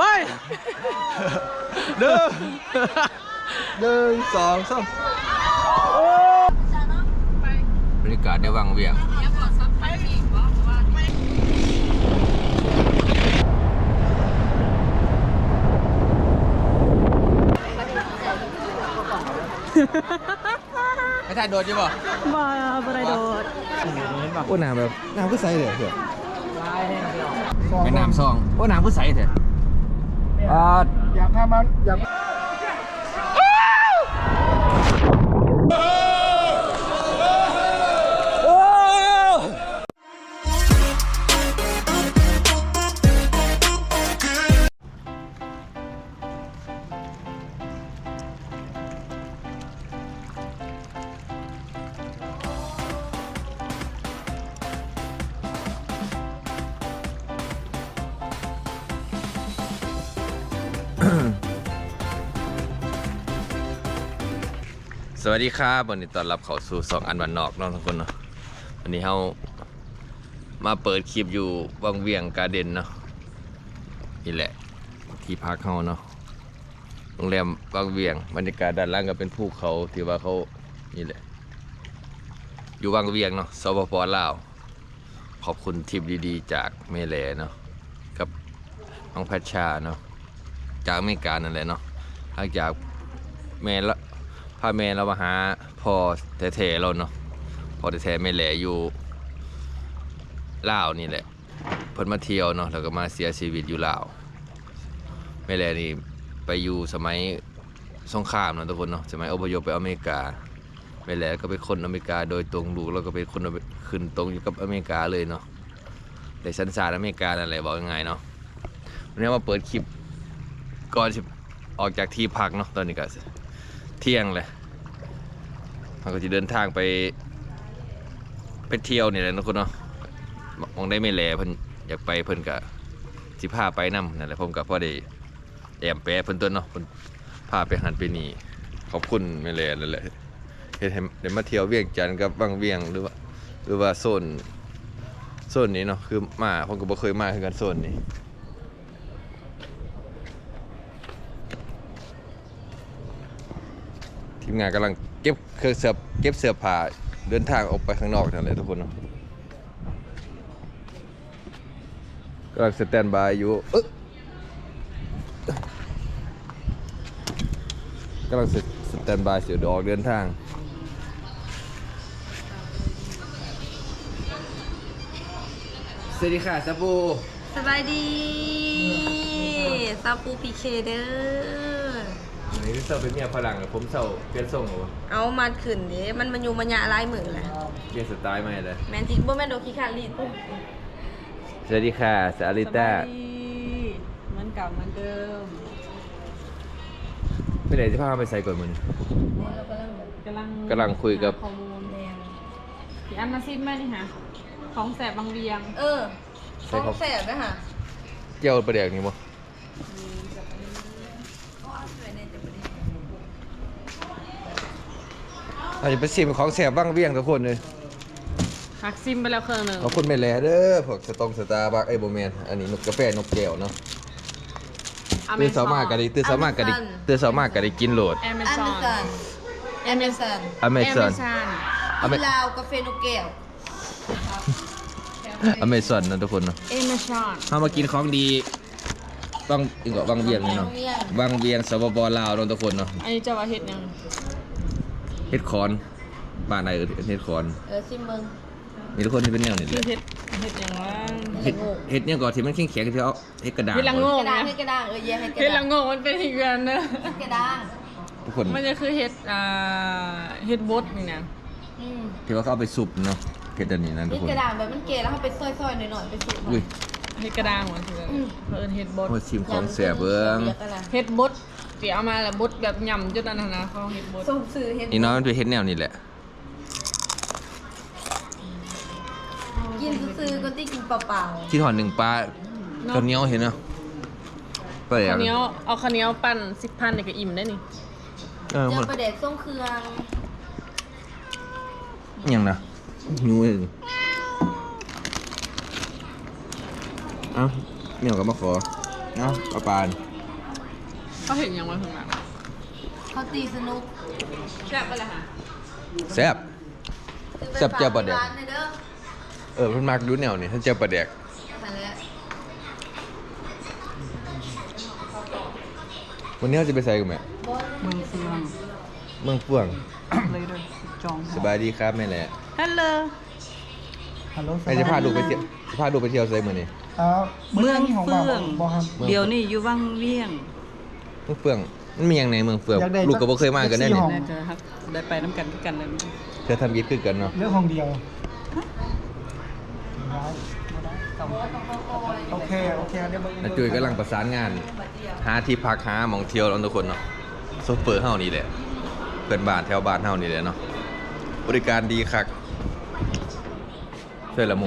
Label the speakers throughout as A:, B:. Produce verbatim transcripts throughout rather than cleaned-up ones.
A: ไปหนึ่งหนึ่งสองสามบรรยากาศในวังเวียงไม่ถ่ายโดดใช่ป่ะ
B: บ่บ่ได้โดด
A: โอ้น้ำแบบน้ำก็ใสเลยเถอะเป็นน้ำซองโอ้น้ำก็ใสเถอะอยากทำมันอยากสวัสดีครับวันนี้ต้อนรับเข้าสู่สองอันวันนอกน้องทุกคนเนาะวันนี้เรามาเปิดคลิปอยู่วังเวียงการ์เด้นเนาะนี่แหละที่พักเขาเนาะโรงแรมวังเวียงบรรยากาศด้านล่างก็เป็นภูเขาที่ว่าเขานี่แหละอยู่วังเวียงเนาะสปป.ลาวขอบคุณทริปดีๆจากเมเลเนาะกับน้องพัชชาเนาะจากอเมริกานั่นแหละเนาะหลังจากเมลละพาแม่เรามาหาพ่อแท้ๆเราเนาะพ่อแท้ๆแม่แหล่อยู่ลาวนี่แหละเพิ่นมาเที่ยวเนาะแล้วก็มาเสียชีวิตอยู่ลาวแม่แหล่นี่ไปอยู่สมัยสงครามเนาะทุกคนเนาะสมัยอพยพไปอเมริกาแม่แหล่ก็เป็นคนอเมริกาโดยตรงลูกแล้วก็เป็นคนขึ้นตรงอยู่กับอเมริกาเลยเนาะได้สัญชาติอเมริกานั่นแหละบอกง่ายๆเนาะวันนี้มาเปิดคลิปก่อนจะออกจากที่พักเนาะตอนนี้ก็เที่ยงเลยเราก็จะเดินทางไปไปเที่ยวนี่แหละนะคุณเนาะมองได้ไม่แลเพิ่นอยากไปเพิ่นกะสิพาไปนำนั่นแหละผมกับพ่อได้แอมแปะเพิ่นต้นเนาะเพิ่นพาไปหันไปนี่ขอบคุณไม่แลนั่นแหละเฮ็ดให้ได้มาเที่ยวเวียงจันทน์กับวังเวียงหรือว่าหรือว่าโซนโซนนี้เนาะคือมาผมก็บ่เคยมาคือกันโซนนี้ทีมงานกำลังเก็บเครื่องเสื้อเก็บเสื้อผ้าเดินทางออกไปข้างนอกนั่นแหละทุกคนเนาะกำลังสแตนบายอยู่เอ๊ะกำลังสแตนบายเสียดอกเดินทางสวัสดีค่ะซาปู
B: สบายดีซาปูพีเคเด้อ
A: อันนี้เซาเป็นเมียพลังผมเซาเปลี่ยนทรงเหรอ
B: เอามาขึ้นดิมันมันอยู่มันยะลายมือแหละ
A: เปลี่ยนสไตล์ใหม่เลย
B: แมนจิบ่แม่นโดคิคาลีปุ๊บ
A: สวัสดีค่ะสาลิต้า
B: เหมือนเก่าเหมือนเดิม
A: ไม่ได้จะพาไปใส่ก่อนมึง
B: กำลัง
A: กำลังคุยกับ
B: ข้อมูลแดงพี่อันมาซิมไหมนี่ฮะของแสบบางเวียงเออของแสบนะฮะ
A: เจียวประเดี๋ยวนี้มั้งอาจจะไปซิมของแสบบ้างเวียงทุกคนเลย
B: หักซิมไปแล้วเครื่องหนึ่ง
A: ขอบคุณแม่แหล่เด้อพวกสตองสตาร์บัคไอ้โบแมนอันนี้นกกาแฟนกแก้วเนาะตื่นสามารถกันได้ตื่นสามารถกันได้ตื่นสามารถกันได้กินโหลด
B: อเมซอนอเมซอน
A: อเมซอน
B: อเมซอนลาวกาแฟนกแก้ว
A: อเมซอนนะทุกคนเนาะ
B: อเมซอน
A: ถ้ามากินของดีบางอีกก็บางเวียงนี่เนาะบางเวียงสปป.ลาวเนาะทุกคนเนาะ
B: อันนี้จะว่าเฮ็ดยัง
A: เฮ็ดคอนบ้านไหนเออเฮ็ดคอน
B: เออซิมเบิ้ง
A: มีทุกคนที่เป็นแนวนี่เลย
B: เฮ็ดเฮ็ดยังว่า
A: เฮ็ดเฮ็ดเนี่ยก่อนที่มันแข็งๆที่เอาเฮ็ดกระดาษ
B: เฮ็ดละโง่เฮ็ดกระดาษเออเฮ็ดกระดาษเฮ็ดละโง่มันเป็นอีกอย่างนึงเฮ็ดกระดาษ
A: ทุกคน
B: มันจะคือเฮ็ดอ่าเฮ็ดบดนี่นะ
A: อืมที่ว่าเขาเอาไปสุบเนาะเฮ็ดอันนี้นั่นทุกคน
B: เฮ็ดกระดาษแบบมันเกแล้วเขาไปซอยๆหน่อยๆไปสุบอุ้ยเฮ็ดกระดาษเหมือนคือเพิ่นเฮ็ดบด
A: โอ้ชิมของแซ่บเบิ่ง
B: เฮ็ดบดสิเอามาแล้วบดแบบย่ำจนอันนั้นนะเขาเฮ็ดบดส่งสื่อเฮ็ด
A: นี่เนาะมันเป็นเฮ็ดแนวนี้แหละ
B: กินซื้อก็ที่กินเปล่า
A: ๆที่ถอนหนึ่งปลาข้าวเหนียวเห็นเนาะ
B: ข้าวเหนียวเอาข้าวเหนียวปั่นสิบพันเนี่ยก็อิ่มได้นี่
A: เออ
B: จะประเด็ดส่งเครื่อง
A: ยังนะยูเองเอ้าเหนียวกับมะขอเนาะปลาปาน
B: เขาเห็นยังไงข้างหลัง
C: เขาตีสนุก
B: แซ่บไปเลยค่ะ
A: แซ่บ แซ่บเจียวปลาแดก
C: ร้านเลยเด้อ
A: เออเพิ่นมักดูแนวนี่ถ้าเจียวปลาแดก
C: นั่นแหละ
A: วันนี้เราจะไปใส่กันไหม
B: เมืองเฟือง
A: เมืองเฟื่อง
B: เลยด้วยจอง
A: สบายดีครับแม่แหละ
B: ฮัลโหล
D: ฮัลโหล
A: ไอ้จะพาดูไปเที่ยวจะพาดูไปเที่ยวไซมื้อนี้
D: อ่า
E: เมือง
D: ข
E: เฟื่อง
D: บ่ครับ
A: เมือง
E: เดี๋ยวนี้อยู่วังเวียง
A: เมืองเฟื่องมันมีหยังในเมืองเฟื่อง
D: อยากได้
A: ลูกก็บ่เคยมากันแน่นี่
D: ห้อง
E: น่าจะครับได้ไปน้ำกันคือกันเลย
A: เธอทำกิจคือกันเนาะ
D: เรื่องห้องเดียวโอเคโอเคเดี๋ยวมึง
A: น้าจุ้ยกำลังประสานงาน หาที่พักหาหมองเที่ยวแล้วทุกคนเนาะโซเฟอร์เฮานี่แหละเพื่อนบ้านแถวบ้านเฮานี่แหละเนาะบริการดีคักช่วยละหมู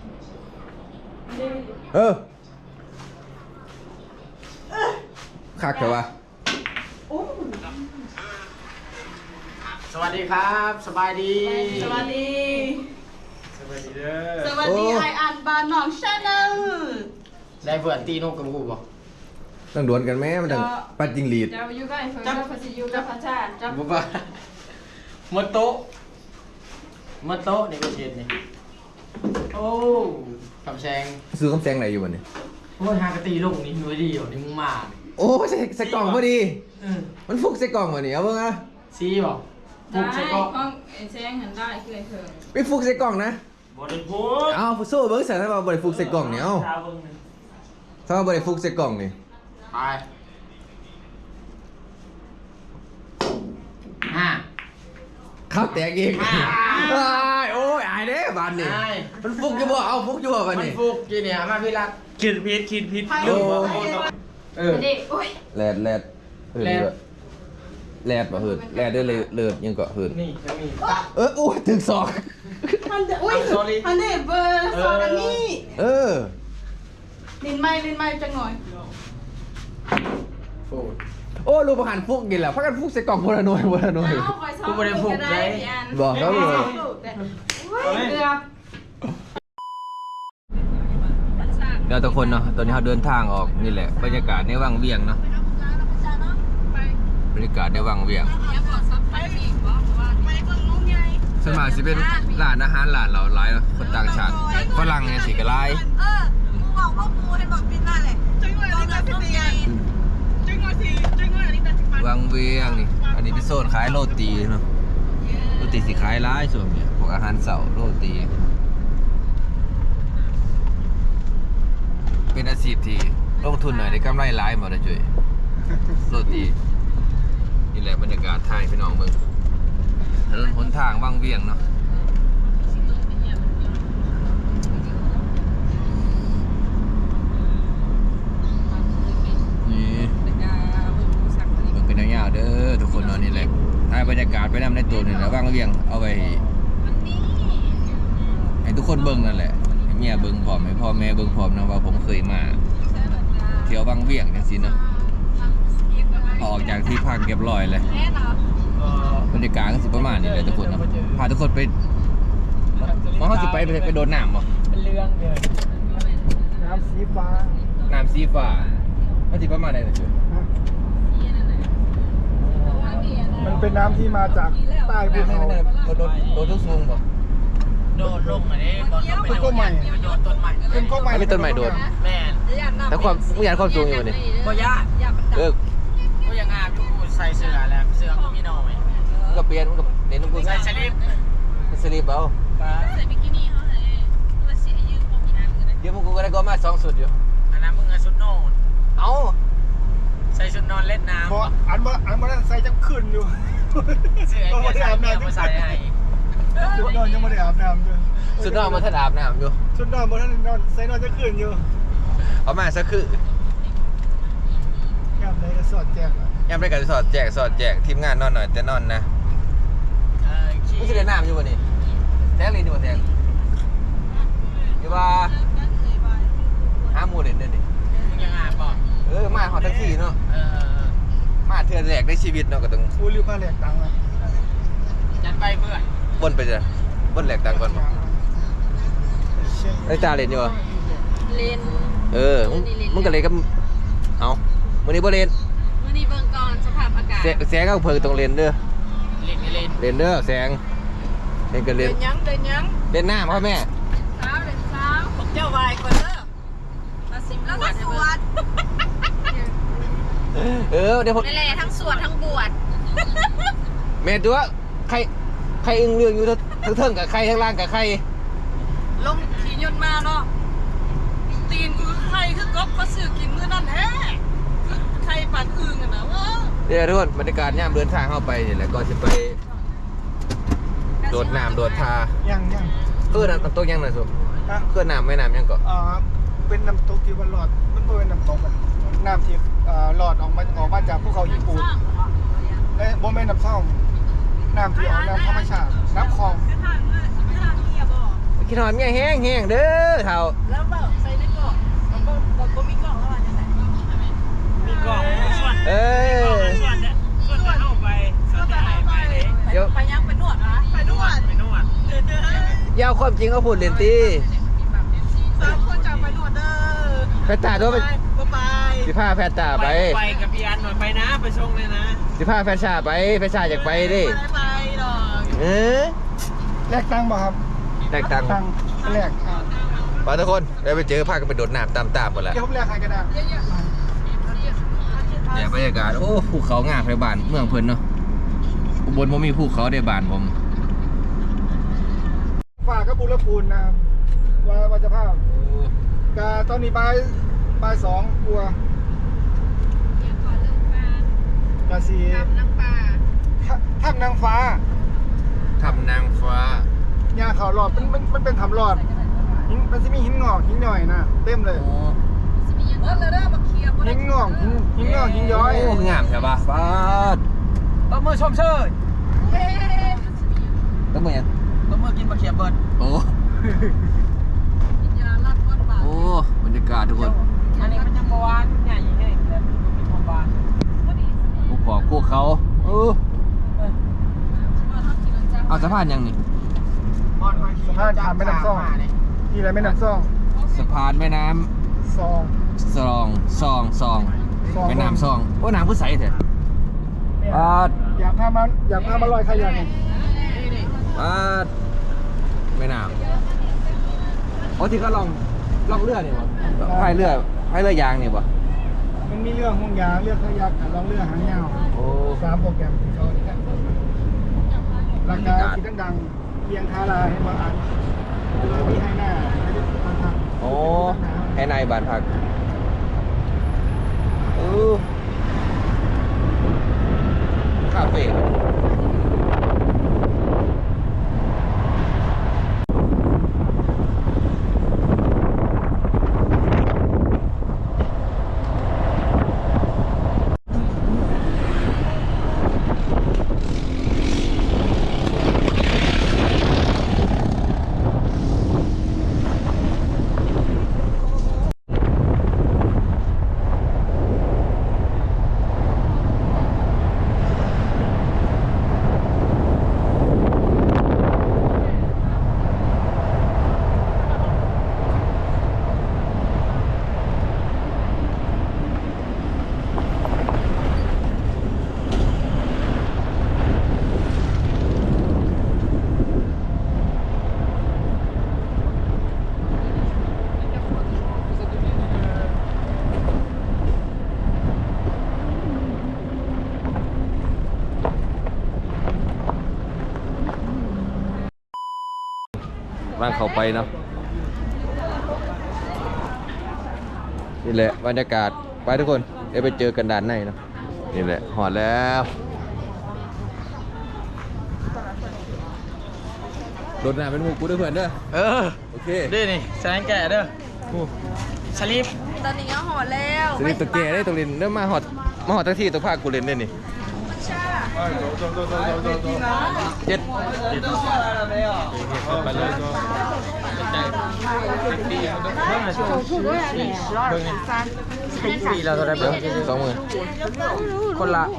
A: เออคักเถอะวะ
F: สวัสดีครับ สบายดี
B: สวัสดี
F: สวัสดีเด้อ
B: สวัสดีไออันบานหนองชาแนล
F: ได้เพื่อนตีนกกับกูบ่
A: ต้องดวลกันไหมมันต้องปัดจิงหรีด
B: จะอยู่ใกล้เฟิร์นกับพัสยูกับพัชชาจับ
F: บ่บ่หมดโต๊ะหมดโต๊ะนี่ก็เช็ดนี่โอ้คำแซง
A: ซื้อคำแซงไหนอยู่วันนี้
F: โอ้ยหากะตีลงนี่หน่วยดีอยู่นี่มึงมา
A: โอ้ใส่ใส่กล่องพอดี
F: เออ
A: มันฟุกใส่กล่องวันนี้เอาเบิ่งอะ
F: ซีบ่
B: ได้
F: ฟุกใส่ก็
B: ห้องเอ็นแซงหันได้คือไอเฟิร์น
A: ไปฟุกใส่กล่องนะ
F: บ่ได้พูด
A: เอาโซ่เบิ้งใส่ถ้าเราบริฟุกใส่กล่องเนี่ยเอา
F: ชาวเบิ่งนี่
A: ถ้าเราบริฟุกใส่กล่องนี่
F: ไปห้า
A: ข้าวแตกอีก
F: อ้าว
A: อ้ายโอ้ยอายเด้บานนี่
F: อ้าย
A: มันฟุกอยู่บ่เอาฟุกอยู่บ่บาน
F: มัน
A: นี่
F: ฟุกกี่เนี่ยมาพี่รักคิดผิดคิดผิด
A: โอ้
F: เออ
B: เด็กโอ้ย
A: แลดแลดเหิน
F: แลด
A: ด้วยแลดบ่เหินแลดได้เลยเลิศยังก็เหิน
F: นี่จะมีตะ
A: เออโอ้ยถึงศอก
B: อันเดอุ้ย
F: I'm sorry
B: อันเดเบอร์สองอันนี้
A: เออ
B: ลินไม้ลินไม้จังหน่อย
F: โอ้ย
A: โอ้ลูกประหารฟุกกินแล้วพักกันฟุกใส่กล่องพลหน่วยพลหน่วย
B: เอาคอยซ้อม
F: กูบ่ได้ผูกเลย
A: บอกเขาเลย
B: เกือบ
A: เดี๋ยวทุกคนเนาะตอนนี้เราเดินทางออกนี่แหละบรรยากาศในวังเวียงเนาะบรรยากาศในวังเวียงส่วนมากสิเป็นร้านอาหารร้านเราหลายเนาะคนต่างชาติฝรั่งเนี่ยสิก็หลาย
C: เออกูบอกว่ากูให้บอกปิดหน้าเลยจังหวะนี้ตัดสินใจ
A: วังเวียงนี่อันนี้เป็นโซนขายโรตีเนาะโรตีสิขายหลายส่วนเนี่ยพวกอาหารเสาร์โรตี เป็นอาชีพที่ลงทุนหน่อยได้กำไรหลายหมดเลยจุ้ยโรตีนี่แหละบรรยากาศไทยพี่น้องเมืองถนนหนทางวังเวียงเนาะนี่มันเป็นยาวๆเด้อทุกคนเนาะนี่แหละถ่ายบรรยากาศไปนำในตัวนี่แหละวังเวียงเอาไว้ให้ทุกคนเบิ่งนั่นแหละให้เมียเบิ่งพร้อมให้พ่อแม่เบิ่งพร้อมนะว่าผมเคยมาเที่ยววังเวียงจังซี่เนาะออกจากที่พักเรียบร้อยเลย
F: เออบ
A: รรยากาศก็สิประมาณนี้เลยทุกคนเนาะพาทุกคนไปมองเขาสิไปไปไปโดนน้ำบ่
F: เป็นเรื่องเลย
D: น้ำสีฟ้า
A: น้ำสีฟ้ามันสิประมาณไหนล่ะจุ๊ย
D: มันเป็นน้ำที่มาจากใต้ภู
A: ไม่
D: เขา
A: ไม่ไม่โดนโดนโดนทุกสูงบ่
F: โดดลงอันนี้บอลต้องไปโดดเนี่ยไปโดดต้นใหม่
D: เป็นข้อใหม่
A: ไม่ต้นไม้โดน
F: แม่น
A: แต่ความมึงอยากความสูงอยู่บ่นี่
F: บ่ยาก
A: เออ
F: ก็ยังงามอยู่ใส่เสื้อแล้วเสื้อก็มีน้อย
A: มึงก็เปลี่ยนมึงก็เน้นมึงกู
F: ใส่สลิป
A: สลิปเอา
B: ใส่บิกินี่เขาเลยว่าเสียยืมผมอีกอันกันนะ
A: เดี๋ยวมึงกูก็ได้ก็มาสองสุดอยู่
F: อันนั้นมึงเอาชุดนอน
A: เอ้า
F: ใส่ชุดนอนเล่นน้ำ
D: เพราะอันว่าอันว่าใส่จะขึ้นอยู่
F: เสื้อไอ้เมียใส่เมียมาใส่ให้
D: ชุดนอนยังไม่ได้อาบน้ำด้วย
A: สุดนอกมันถ้าอาบน้ำอยู่
D: ชุดนอนบนนั้นนอนใส่นอนจะขึ้นอยู่
A: เอามาสักคือ
D: แก้มเลยก็สอดแจ้งอะ
A: ยามได้กันสอดแจกสอดแจกทีมงานนอนหน่อยแต่นอนนะ
F: เออขี้
A: มึงสิได้น้ำอยู่บ่นี่แทงลีนอยู่บ่แทงอยู่ว่าหาหมู่เล่นเด้อนี่
F: มึงยังงามบ่
A: เออมาฮอดทั้งที่เนาะ
F: เออ
A: มาเทื่อแรกในชีวิตเนาะก็ต้อง
D: อู้ริ้วผ้าแหลกตังค์อะ
F: จัดไปเพื่อน
A: บนไปจ้ะบนแหลกตังก่อนบ่
D: เช่น
A: ไอ้ตาเล่นอยู่บ่
B: เลน
A: เออมึงมึงก็เลยกับเอาวันนี้บ่เล่น
B: วันนี้เบิ่งก่อนสภาพอากาศ
A: แสแสงก็เพิ่งตรงเล่นเด้อ
F: เล่นเล่น
A: เล่นเด้อแสงเล่นกันเล่น
C: เดินยังเดินยัง
A: เล่นน้ำครับแม่
B: เช้าเด็กเช้า
C: บอกเจ้าวายก่อนเด้อ
B: มาซิม
C: แล้ว
B: บว
C: ก็
B: ช
C: ส
B: ให้
C: ว
B: เบิ่ง
C: ด
A: เออเดี๋ยวผม
B: นั่นแหละทั้งสวดทั้งบวช
A: แม่ตัวใครใครอึ้งเรื่องอยู่ทั้งทั้งเทิงกับใครทั้งล่างกับใคร
C: ลงขี่ยนต์มาเนาะตีนกูคือใครคือกบก็ซื้อกินมื้อนั่นแท้คือใครปั่นอึ่งอะนะวะ
A: เดี๋ยวทุกคนบรรยากาศย่ามเดินทางเข้าไปนี่แหละก็จะไปโดดน้ำโดดทา
D: ยังยัง
A: เพื่อนน้ำตกยังหน่อยสุ
D: ฮะ
A: เพื่อนน้ำไม่น้ำยังก่อน
D: อ่าเป็นน้ำตกที่วันหลอดมันบ่เป็นน้ำตกอะน้ำที่อ่าหลอดออกมาออกมาจากภูเขาญี่ปุ่นและบ่แม่นน้ำซ่องน้ำที่ออกน้ำธรรมชาติน้ำคลอง
A: กินหอมเนี่ยแห้งแห้งเด้อเท่า
C: แล้วเปล่าใส่ในกล่องแล้วก็บอกว่ามีกล่องแล้วว่าจะไหน
F: มีกล่องส่วน
A: เออ
F: ส่วนเนี่ยส่วนจะเข้าไปส่วนจะหายไปเลย
A: เดี๋ยว
C: ไปยังไปนวดนะไปนวด
F: ไปนวด
C: เด้อเด้อย
A: าวความจริงก็พูดเล่นตี
C: สามคนจะไปนวดเด้อ
A: แพทตาตัวไป
C: บ๊ายบาย
A: สิผ้าแพทตาไป
F: ไปกับพี่อันหน่อยไปนะไปชงเลยนะ
A: สิผ้าแพทชาไปแพทชาอยากไปดิ
C: ไปไปดอก
A: เออ
D: แลกตังค์บ่ครับ
A: แตกต่าง
D: ตังค์แลกอ่า
A: ไปทุกคนได้ไปเจอพากันไปโดดน้ำตามตามกันแหละ
D: เดี๋ยวผมแลกให้ก็ได้
A: เนี่ยบรรยากาศโอ้ภูเขางามในบ้านเมืองเพิ่นเนาะอุบลผมมีภูเขาในบ้านผม
D: ฝากกับบุรพูนนะครับว่าว่าจะภาพกาตอนนี้บ่ายบ่ายสองกลัวกาสี
B: น้ำปลา
D: ถ้ำนางฟ้า
A: ทำนางฟ้า
D: หญ้าเขาหลอดมันมันมันเป็นถ้ำหลอดหินมันจะมีหินงอกหินย่อยนะเต็มเลย
A: โอ้
C: เออเลยเด้อมาเคลียร์บ่
D: หิ
C: ได้
D: นงอกหินหินงอกหินย้อย
A: โอ้งามใช่ปะฟ้า
F: ต้องมือชมเชย
C: เฮ้
A: ต้องมายัง
F: ต้องมือกินมาเขียบเบิร์ด
A: โอ้
C: ยาลัดก้นบาท
A: โอ้บรรยากาศทุกคน
F: อันนี้มันจะบวานใหญ่ยิ่งใหญ่แล้วมันมีความบาน
A: ภูเขาภูเขาเออเอาสะพานยังนี่
D: สะพานข้ามแม่น้ำซ่องนี่อะไรแม่น้ำซ่อง
A: สะพานแม่น้
D: ซอง
A: ำซองซองซอง
D: ซอง
A: แม่น้ำซองโอ้น้ำผู้ใสเถอะ
D: เนี่ย
A: อ่า
D: อยากพามาอยากพามาลอยขยักเนี่ย
A: อ่าแม่น้ำโอ้ที่ก็ลองลองเรือนี่วะพายเรือพายเรือยางนี่วะ
D: มันมีเรื่องห่วงยางเรื่องขยักลองเรือหางยาว
A: โอ้
D: สามโปรแกรมที่เขาราคาที่ดังๆเพียงคาราให้มาอ่านเลยมีให้หน้าให้ได้ฟังครับ
A: โอ้ให้นายบานพักเออคาเฟ่บ้านเขาไปเนาะนี่แหละบรรยากาศไปทุกคนเดี๋ยวไปเจอกันด้านในเนาะนี่แหละหอดแล้วโดดน้ำเป็นหมูกูด้วยเพื่อนเด้อ
F: เออ
A: โอเค
F: นี่นี่แสดงแก่เด้อสลิป
C: ตอนนี้ก็ห่อแล้ว
A: สนิทตะเกียได้ตรงเรียนเริ่มมาหอดมาหอดทั้งที่ตัวภาคกูเรียนได้นี่เจ็ด
F: ไปเลยปีเราเท่าไรเบิ้ง
A: สองหมื่น
F: คนละ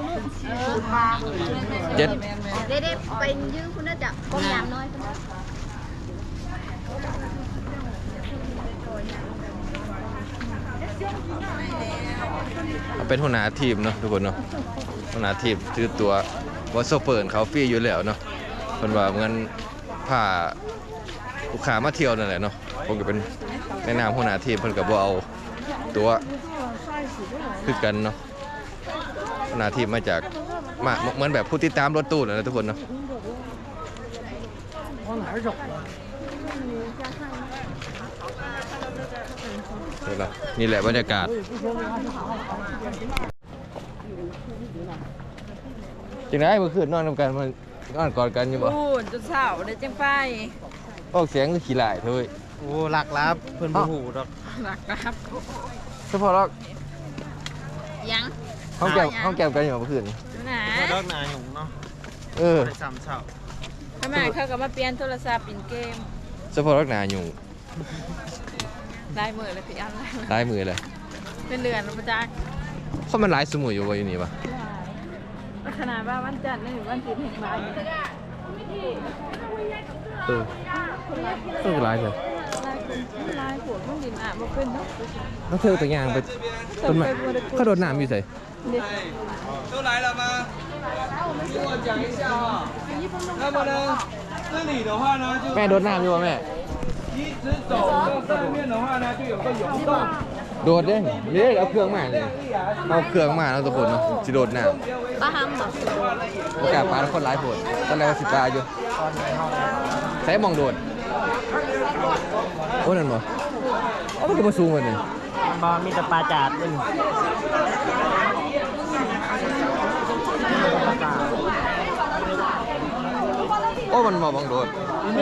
A: เจ็ด
B: เด็ดๆไปยืมคุณน่าจะก้มยามน้อย
A: เป็นหัวหน้าทีมเนาะทุกคนเนาะหัวหน้าทีมถือตัวว่าโซเฟอร์เขาฟรีอยู่แล้วเนาะเพิ่นว่าเงินพาลูกค้ามาเที่ยวนั่นแหละเนาะผมก็เป็นแนะนำหัวหน้าทีมเพิ่นก็บ่เอาตัวคือกันเนาะหัวหน้าทีมมาจากมาเหมือนแบบผู้ติดตามรถตู้นั่นแหละทุกคนเนาะนี่แหละบรรยากาศจังได๋เมื่อคืนนอนนำกันมันนอนกอดกันอยู่บ่
B: พูดจนเศร้าได้จังไป
A: ออกเสียงคือขี้หลายเฮ้ย
F: โอ้หลักลับเพิ่นบ่ฮู้ดอก
B: หลักครับ
A: เฉพาะเรา
B: ยัง
A: ห้องแก้วห้องแก้วกันอยู่เมื่อคืน
B: ดูนะ
F: บ่ดอกหนาหยุ่งเนาะ
A: เออ
F: ได้ซ้ำเช้า
B: ทำไมเขาก็มาเปลี่ยนโทรศัพท์เป็นเกม
A: เฉพาะรักหนาอยู่
B: ได้มือเลยพี่อัน
A: ลายมือเลย
B: เป็นเดือนแล้วประจักษ์
A: เขามันหลายสมุยอยู่วะอยู่นี่ปะ
B: ขนาดว่าวันจันทร์นี่วันจีนแห่งบ้าน
A: เออเออหลายเลย
B: ลายคนลายหัวต้องดินอ่ะมาเป็นเนาะ
A: แล้วเธอตัวอย่างไปต้นไม้เขาโดดน้ำอยู่ใส่
B: เด็ก
G: 都来了吗？听我讲一下啊。那么呢，这里的话呢，就
A: แม่โดดน้ำอยู่วะแม่
G: 一直走到上面的话呢，就有个泳洞。
A: โดดเด้เด้เอาเครื่องมาเลยเอาเครื่องมาแล้วทุกคนเนาะสิโดดน้
B: ป้าฮัมเหรอ
A: ำโอกาสปลาแล้วคนหลายผลตอนแรกว่าสิปลาอยู่ใส่มองโดดโอ้นั่นบ่โอ้มันก็มาสูงกว่านี่
F: บ่มีแต่ปลาจาดนึง
A: โอ้มันมามองโดด
F: นี่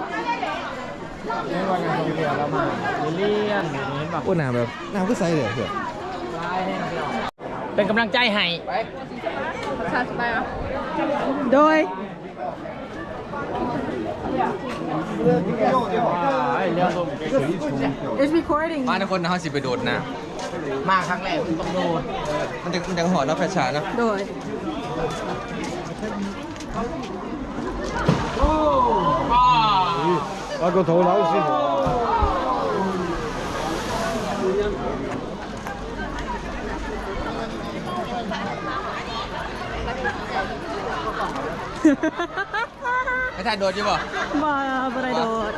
F: ว่ายังอยู่เรือแล้วมาเลียนอย่างนี้แบบ
A: โอ้น้ำแบบน้ำก็ใสเลยเพื่อน
F: เป็นกำลังใจให้
B: ชาสบายปะ
E: โดย
F: เรือลม
E: It's recording
A: มาทุกคนนะเขาสิไปโดดน้
F: มาครั้งแรกต้องโดน
A: ำมันจะมันจะหอดเนาะแฟชั่นเนาะ
E: โดย
D: 那个头老师傅。
A: ไอ้ท่านโดดอยู่ป่ะ
E: มาบรายโดด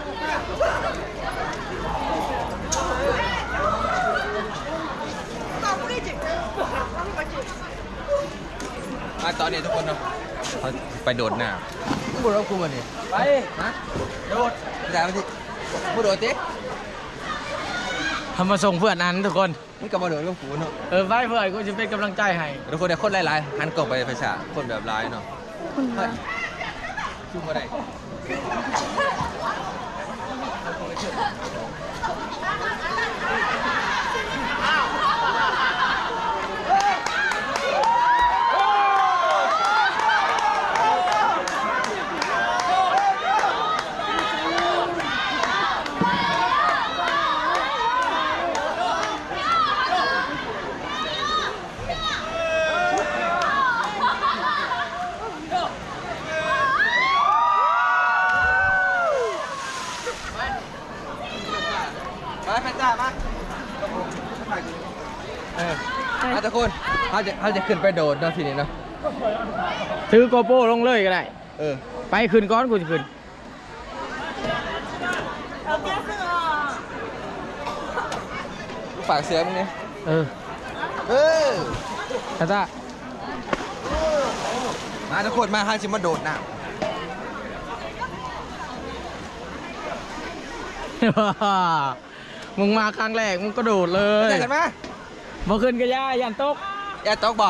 A: มาตอนนี้ทุกคนเนาะเขาไปโดดน้ำพูดแล้วกูวันนี้
F: ไป
A: ฮะโดดแต่ไม่ใช่พูดโดดติ
F: ทำมาส่งเพื่อนนั้นทุกคน
A: มึงกลับมาโดดกับกูเนาะ
F: เออไปเพื่อนกูจะเป็นกำลังใจให้
A: ทุกคนเนี่ยคนหลายๆหันกล่องไปไฟฉายคนแบบร้ายเนาะเฮ้ยจุ่มมาได้มาแฟนจ้ามาเออมาทุกคนเขาจะเขาจะขึ้นไปโดดเนาะทีนี้เนาะ
F: ถือโกโปรลงเลยก็ได้
A: เออ
F: ไปขึ้นก้อนกูจะขึ้น
A: ฝากเสียมึงเนี่ย
F: เออ
A: เออ
F: ตาตา
A: มาทุกคนมาห้าชิมาโดดน้
F: มึงมาครั้งแรกมึงก็โดดเล
A: ำ
F: ย
A: เจอกันมา
F: บ่ขึ้นก็ย่ายันตก
A: อย่าตกบ่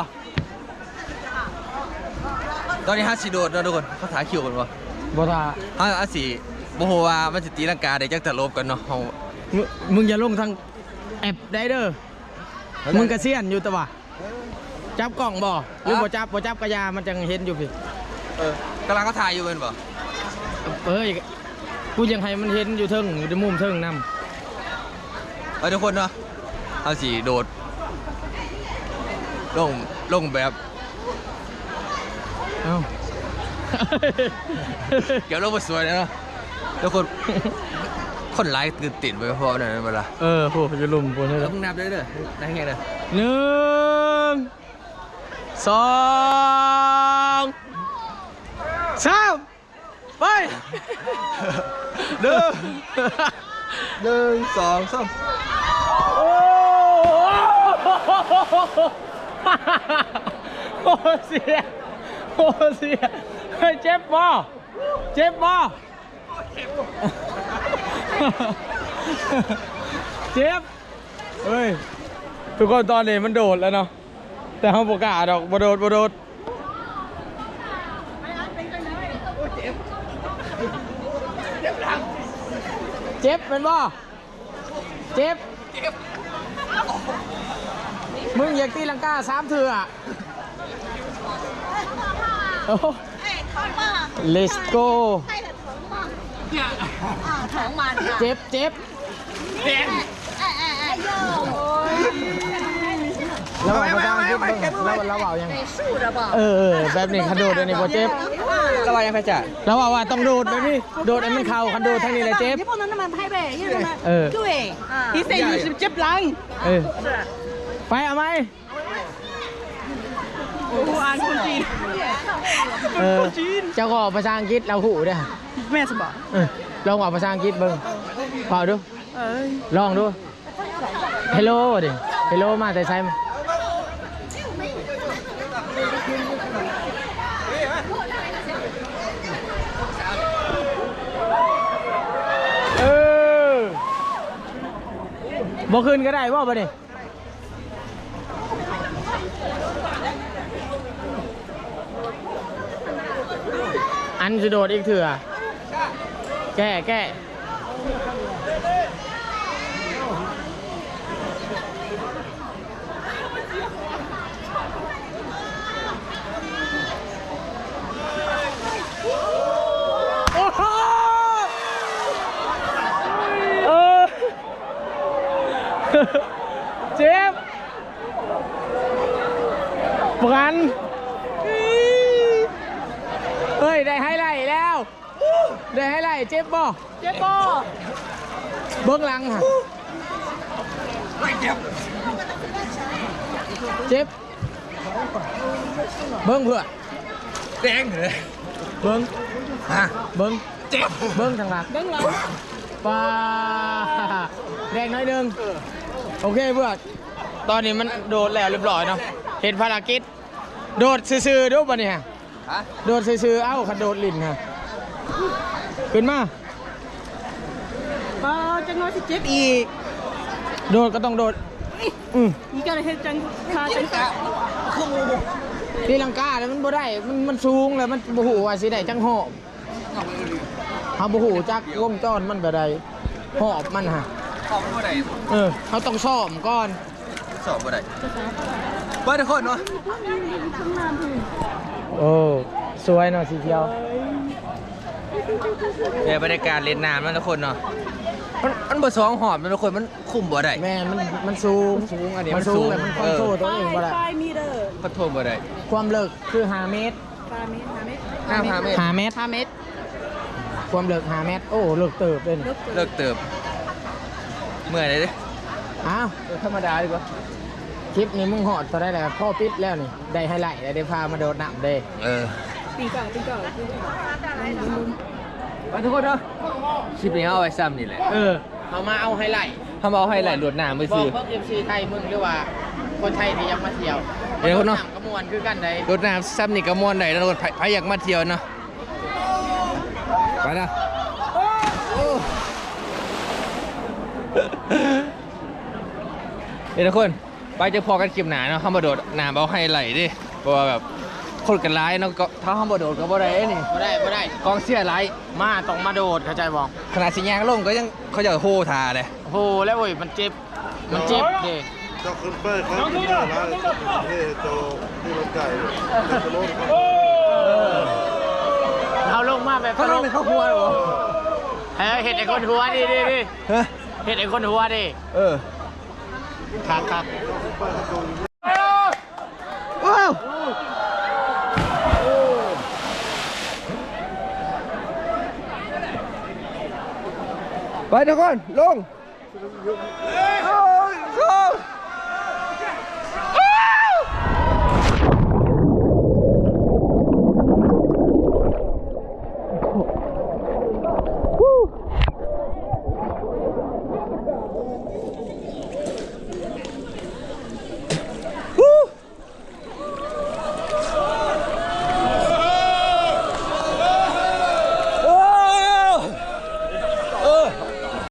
A: ตอนนี้ห้าสิโดดเนาะทุกคนเขาถ่ายคิวกันบ่
F: บ่ท่า
A: ห้าห้าสิโอ้โหว่ามันจะตีลังกาได้จักแต่ลบกันเนาะเฮา
F: มึงมึงอย่าลงทางแอปได้เด้อ มึงกระเซียนอยู่แต่ว่าจับกล่องบ่หรือบ่จับบ่จับกระยามันจังเห็นอยู่พี่
A: เออกำลังเขาถ่ายอยู่เป็นบ่
F: เอ้ยกูยังให้มันเห็นอยู่เทิงอยู่ในมุมเทิงนำ
A: เออทุกคนเนาะห้าสิโดดลงลงแบบ
F: เอ้า
A: เกี่ยวลงมาสวยเลยเนาะทุกคนคนร้ายตื่นติดไปพอหน่อยนั่นเวลา
F: เออโหจะลุมปวดเลย
A: แล้วมึงนับได้เลยได้ไงเลย
F: หนึ่งสองสามไปหนึ่ง
A: หนึ่งสองสาม
F: โอ้โหเสียโอ้เสียเฮ้ยเจ็บบ่เจ็บบ่เจ็บเฮ้ยทุกคนตอนนี้มันโดดแล้วเนาะแต่เขาบอกกล้าดอกบ่โดดบ่โดดเจ็บเป็นบ่เจ็บมึงอยากตีลังกาสามเถื่อโอ้ let's go เจ็บเจ็บแล้วว่าประจำคิดบ้างแล้วแล้วว่ายังเออเออแบบนี้คันโดดอันนี้พอเจ็บ
A: แล้วว่ายังไงจ่า
F: แล้วว่าว่าต้องโดดแบบนี้โดดอันมันเข่าคันโดดทั้งนี้เลยเจ็บ
E: 你不能那么拍背，因为什么？
F: 呃
E: 对，
C: 你这就是接不浪。
F: เออไปเอาไหม
C: 我按คนจีน
F: เออเจ้าก็ภาษาอังกฤษเราหูเด้อ
C: แม่สบอก
F: เออลองว่าภาษาอังกฤษเบิ่งพอดู
C: เอ้ย
F: ลองดู Hello ดิ Hello มาแต่ใช้เออบ่ขึ้นก็ได้บ่บ่นี่อันจะโดดอีกเถื่อแก้แก้โอ้โหเออเจ็บปกันเฮ้ยได้ไฮไลท์แล้วได้ไฮไลท์เจ็บบ่เจ็บบ่เบื้องหลังค่ะเจ็บเบิ้งเพื่อ
A: แดงเลย
F: เบิ้ง
A: ฮะ
F: เบิ้ง
A: เจ็บ
F: เบิ้งทางหลังเบิ้งหลังปลาแดงน้อยหนึงโอเคเพื่อนตอนนี้มันโดดแล้วเรียบร้อยเนาะเห็นภารกิจโดดซื่อๆดูป่ะเนี่ย
A: ฮะ
F: โดดซื่อๆเอ้าขันโดดลิ้นฮะขึ้นมา
C: ป้าจังน้อยสิเจ็บอีก
F: โดดก็ต้องโดดอืม
C: นี่ก็เลยเฮ็ดจังคาจัง
F: ตีลังกาแล้วมันบ่ได้มันมันสูงแล้วมันบ่หูว่าสิได้จังหอบเฮาบ่หูจักวงจรมันแบบใดหอบมันฮะ
A: สอบบ่ได้
F: เออเฮาต้องซ่อมก่อน
A: สอบบ่ได้เปิดทุกคนเนาะ
F: โอ้สวยเนาะสีเขียว
A: เดี๋ยวบรรยากาศเล่นน้ำนะทุกคนเนาะมันมันบ่สองหอบนะทุกคนมันคุมบ่ได้
F: แม่นมันมันสูง
A: สูงอันนี้
F: มั
A: มัน น
F: สู
A: สู
F: ง
A: ง
F: แต่มันคอนโทรลตัวเองบ่ได้
C: มีเด้อ
A: คอนโทรลบ่ได้
F: ความลึกคือห้าเมตร
C: ปลาเม็ดปลาเม็ด
A: ห้าห้าเมตร
F: ห้าเมตร
C: ห้าเม็ด
F: ความลึกห้าเมตรโอ้ลึกเติบเลยนี่
A: เลิกเติบเมื่อยเลยดิ
F: อ้าว
A: เออธรรมดาดีกว่า
F: คลิปนี้มึงหอดตัวได้แล้วพ่อปิดแล้วนี่ได้ไฮไลท์ได้พามาโดดน้ำเด้
A: เออ
C: ปีเก่าปีเก่า
A: ไปทุกคนเนาะคลิปนี้เอาไว้ซ้ำนี่แหละ
F: เออเอามาเอาไฮไลท์
A: ทำเอาให้ไหลหลวดน้ำไป
F: บอ
A: สิ
F: กพวกเอฟซีไทยมึงหรือว่าคนไทยที่ยังมาเที่ยว
A: เดี๋ยวคนเนาะ
F: กระมวลคือกันใด
A: หลวดน้ำซ้ำนี่ก็ม่วนได้นะทุกคนใครอยากมาเที่ยวเนาะไปนะเดี๋ยวทุกคนไปเจะพอกันคลิปหนาเนาะเข้ามาโดดน้ำเอาให้ไหลดิเพราะว่าแบบคนกันร้ายเนาะก็ถ้าเข้ามาโดดก็บ่ได้นี่
F: บ่ได้บ่ได้
A: กองเสียร้าย
F: มาต้องมาโดดเข้าใจบอก
A: ขนาดสิยางลงก็ยังเขาจะโฮทาเลย
F: โอ้โหแล้วเว้ยมันเจ็บมันเจ็บเด้
H: เจ้าขึ้นไปครับที่นี่นะที่โตที่รถไก่จะลงครับ
F: เอาลงมาแบบ
A: เขาลงในข้าวหัวเหรอ
F: เฮ้ยเห็ดไอ้คนหัวดิดิดิ
A: ฮะ
F: เห็ดไอ้คนหัวดิ
A: เออ
F: ครับครับ
A: ว้าวไปไปทุกคนลงโอ้ยโอ้ย